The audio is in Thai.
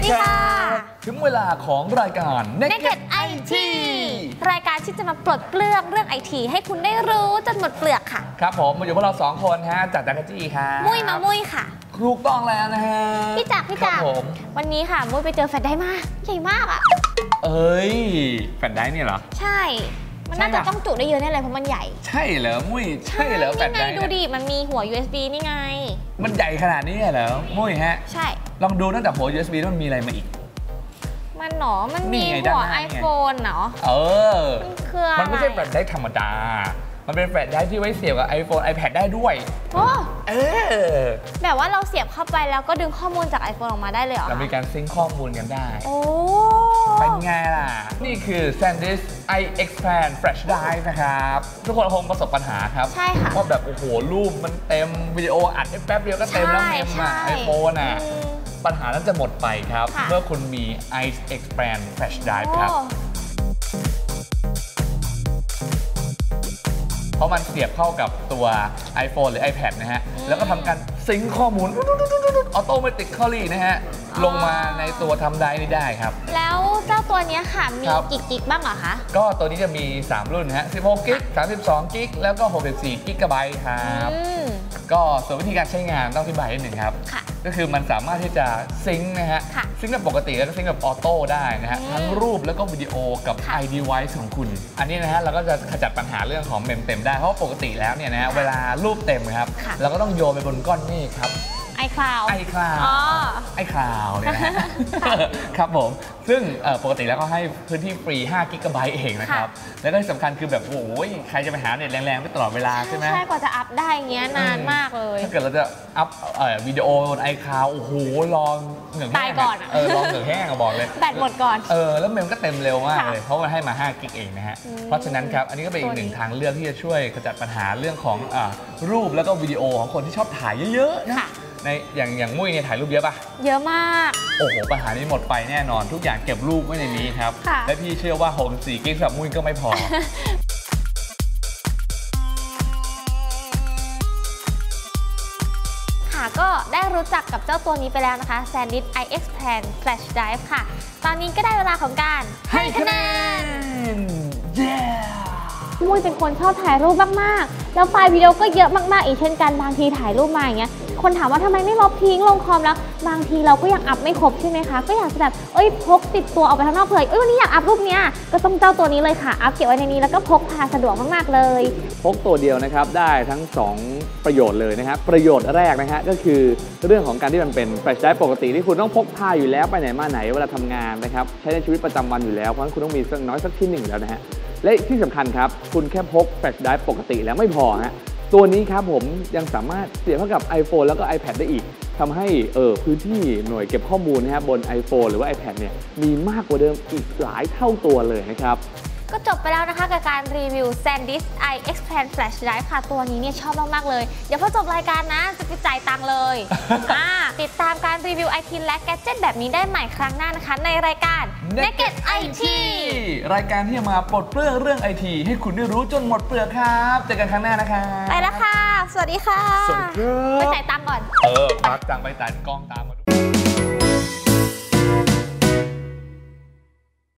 ดีค่ะถึงเวลาของรายการ Naked IT รายการที่จะมาปลดเปลื้องเรื่องไอทีให้คุณได้รู้จนหมดเปลือกค่ะครับผมมาอยู่พวกเรา2 คนฮะจากจักรจี้ค่ะมุ้ยมามุ้ยค่ะถูกต้องแล้วนะฮะพี่จักรวันนี้ค่ะมุ้ยไปเจอแฟลชไดรฟ์มาใหญ่มากอ่ะเอ้ยแฟลชไดรฟ์เนี่ยเหรอใช่มันน่าจะต้องจุได้เยอะแน่เลยเพราะมันใหญ่ใช่เหรอมุ้ยใช่เหรอแฟลชไดรฟ์ดูดิมันมีหัว USB นี่ไงมันใหญ่ขนาดนี้เหรอมุ้ยฮะใช่ลองดูตั้งแต่หัว USB แล้วมันมีอะไรมาอีกมันหนอมันมีหัว iPhone เนาะมันไม่ใช่แฟลชไดรฟ์ธรรมดามันเป็นแฟลชไดรฟ์ที่ไว้เสียบกับ iPhone iPad ได้ด้วยแบบว่าเราเสียบเข้าไปแล้วก็ดึงข้อมูลจาก iPhone ออกมาได้เลยเหรอเรามีการซิงค์ข้อมูลกันได้เป็นไงล่ะนี่คือ SanDisk iXpand Flash Drive นะครับทุกคนคงประสบปัญหาครับใช่ค่ะว่าแบบโอ้โหรูปมันเต็มวิดีโออัดได้แป๊บเดียวก็เต็มแล้วเมมอ่ะ iPhone อ่ะปัญหานั้นจะหมดไปครับเมื่อคุณมี iXpand Flash Drive ครับเพราะมันเสียบเข้ากับตัว iPhone หรือ iPad นะฮะแล้วก็ทำการซิงค์ข้อมูลautomatically นะฮะลงมาในตัวทำได้นี่ได้ครับแล้วเจ้าตัวนี้ค่ะมีกี่กิกบ้างเหรอคะก็ตัวนี้จะมี3รุ่นฮะ16กิก32กิกแล้วก็64กิกะไบต์ครับก็ส่วนวิธีการใช้งานต้องอธิบายนิดหนึ่งครับก็คือมันสามารถที่จะซิงค์นะฮะซิงค์แบบปกติแล้วก็ซิงค์แบบออโต้ได้นะฮะทั้งรูปแล้วก็วิดีโอกับ iDevice ของคุณอันนี้นะฮะเราก็จะขจัดปัญหาเรื่องของเมมเต็มได้เพราะปกติแล้วเนี่ยนะฮะเวลารูปเต็มครับเราก็ต้องโยนไปบนก้อนเมฆครับ iCloud เนี่ยนะครับผมซึ่งปกติแล้วก็ให้พื้นที่ฟรี5 กิกะไบต์เองนะครับแล้วก็สำคัญคือแบบโอ้ยใครจะไปหาเน็ตแรงๆไม่ตลอดเวลาใช่ไหมใช่กว่าจะอัพได้เงี้ยนานมากเลยถ้าเกิดเราจะอัพวิดีโอบน iCloud โอ้โหรอเหงื่อแห้งก่อนรอเหงื่อแห้งบอกเลยแบตหมดก่อนแล้วเมมก็เต็มเร็วมากเลยเพราะมันให้มา5 กิกเองนะฮะเพราะฉะนั้นครับอันนี้ก็เป็นอีกหนึ่งทางเลือกที่จะช่วยขจัดปัญหาเรื่องของรูปแล้วก็วิดีโอของคนที่ชอบถ่ายเยอะๆนะในอย่างมุ้ยเนี่ยถ่ายรูปเยอะป่ะเยอะมากโอ้โหปัญหานี้หมดไปแน่นอนทุกอย่างเก็บรูปไว้ในนี้ครับและพี่เชื่อว่า64 กิกสำหรับมุ้ยก็ไม่พอค่ะก็ได้รู้จักกับเจ้าตัวนี้ไปแล้วนะคะ SanDisk iXpand Flash Drive ค่ะตอนนี้ก็ได้เวลาของการให้คะแนนมุ้ยเป็นคนชอบถ่ายรูปมากๆแล้วไฟล์วิดีโอก็เยอะมากๆอีกเช่นกันบางทีถ่ายรูปมาอย่างเงี้ยคนถามว่าทำไมไม่ลบทิ้งลงคอมแล้วบางทีเราก็ยังอัพไม่ครบใช่ไหมคะก็อยากจะแบบพกติดตัวออกไปข้างนอกเผื่อวันนี้อยากอัพรูปเนี้ยก็ต้องเจ้าตัวนี้เลยค่ะอัพเก็บไว้ในนี้แล้วก็พกพาสะดวกมากๆเลยพกตัวเดียวนะครับได้ทั้ง2ประโยชน์เลยนะครับประโยชน์แรกนะฮะก็คือเรื่องของการที่มันเป็นแฟลชไดรฟ์ปกติที่คุณต้องพกพาอยู่แล้วไปไหนมาไหนเวลาทำงานนะครับใช้ในชีวิตประจำวันอยู่แล้วเพราะฉะนั้นคุณต้องมีสักน้อยสักที่1แล้วนะฮะและที่สำคัญครับคุณแค่พกแฟลชไดรฟ์ปกติแล้วไม่พอฮะตัวนี้ครับผมยังสามารถเสียบเข้ากับ iPhone แล้วก็ iPad ได้อีกทำให้พื้นที่หน่วยเก็บข้อมูลนะครับบน iPhone หรือว่า iPad เนี่ยมีมากกว่าเดิมอีกหลายเท่าตัวเลยนะครับก็จบไปแล้วนะคะกับการรีวิว SanDisk iXpand Flash Drive ค่ะตัวนี้เนี่ยชอบมากๆเลยเดี๋ยวพอจบรายการนะจะไปจ่ายตังค์เลยติดตามการรีวิว IT และแกดเจ็ตแบบนี้ได้ใหม่ครั้งหน้านะคะในรายการ Naked IT รายการที่จะมาปลดเปลื้องเรื่อง IT ให้คุณได้รู้จนหมดเปลือกครับเจอกันครั้งหน้านะคะไปแล้วค่ะสวัสดีค่ะสวัสดีครับไปจ่ายตังค์ก่อนพักตังค์ไปจ่ายกล้องตาม